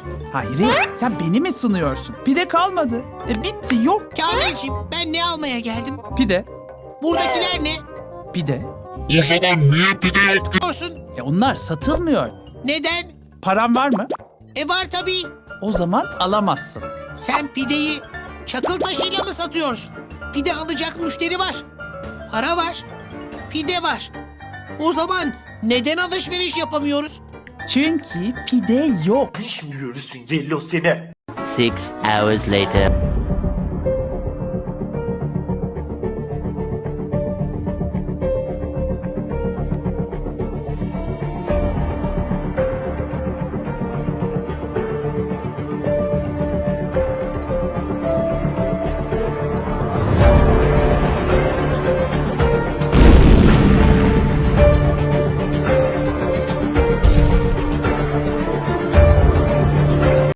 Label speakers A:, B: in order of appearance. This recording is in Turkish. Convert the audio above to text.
A: Hayır, sen beni mi sınıyorsun? Pide kalmadı. Bitti, yok.
B: Kamilciğim, ben ne almaya geldim?
A: Pide,
B: Buradakiler ne?
A: pide.
C: O zaman niye pide yok
B: Diyorsun.
A: Onlar satılmıyor.
B: Neden?
A: Paran var mı?
B: Var tabii.
A: O zaman alamazsın.
B: Sen pideyi çakıl taşıyla mı satıyorsun? Pide alacak müşteri var. Para var. Pide var. O zaman neden alışveriş yapamıyoruz?
A: Çünkü pide yok.
D: Şimdi görürsün Yellow seni.
E: 6 hours later.